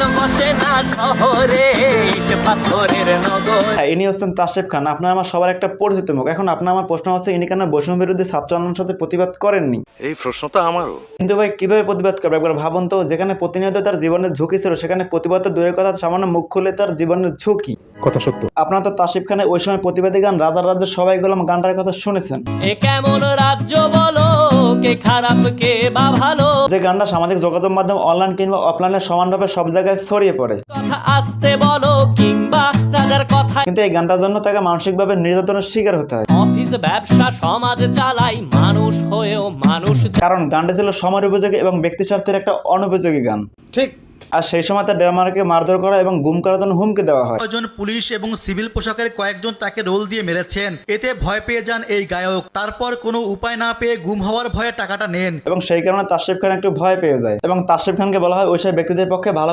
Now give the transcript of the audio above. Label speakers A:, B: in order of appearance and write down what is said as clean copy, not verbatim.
A: বসে না শহরে, ইট পাথরের নগর।
B: ইনি হচ্ছেন তাসিফ খান, আপনার আমার সবার একটা পরিচিত মুখ। এখন আপনার আমার প্রশ্ন হচ্ছে, ইনি কেন বৈষম্য বিরোধী ছাত্র আন্দোলনের সাথে প্রতিবাদ করেননি?
C: এই প্রশ্ন তো আমারও।
B: কিন্তু ভাই কিভাবে প্রতিবাদ করবে একবার ভাবুন তো। যেখানে প্রতিনিয়ত তার জীবনের ঝুঁকি ছিল, সেখানে প্রতিবাদ তো দূরের কথা, সামান্য মুখ খুলে তার জীবনের ঝুঁকি।
D: কথা সত্য।
B: আপনারা তো তাসিফ খানের ওই সময় প্রতিবাদী গান রাজার রাজ্যের সবাই গোলাম গানটার কথা শুনেছেন।
A: এ কেমন রাজ্য বলো, কে খারাপ কে বা ভালো,
B: যে গানটা সামাজিক যোগাযোগ মাধ্যম অনলাইন কিংবা অফলাইনে সমানভাবে সব জায়গায় ছড়িয়ে পড়ে।
A: কথা আসতে বলো কিংবা রাজার কথা।
B: কিন্তু এই গানটার জন্য তাকে মানসিকভাবে নির্যাতনের শিকার হতে হয়।
A: অফিস ব্যবসা সমাজ চালাই, মানুষ হয়েও মানুষ
B: কারণ গানটা ছিল সময় উপযোগী এবং ব্যক্তি স্বার্থের একটা অনুপযোগী গান।
E: ঠিক।
B: আর সেই সময় তার ড্রামারকে মারধর করা এবং গুম করার জন্য হুমকি দেওয়া হয়।
E: কয়েকজন পুলিশ এবং সিভিল পোশাকের কয়েকজন তাকে রোল দিয়ে মেরেছেন। এতে ভয় পেয়ে যান এই গায়ক। তারপর কোনো উপায় না পেয়ে গুম হওয়ার ভয়ে টাকাটা নেন।
B: এবং সেই কারণে তাসিফ খান একটু ভয় পেয়ে যায় এবং তাসিফ খানকে বলা হয় ওই সব ব্যক্তিদের পক্ষে ভালো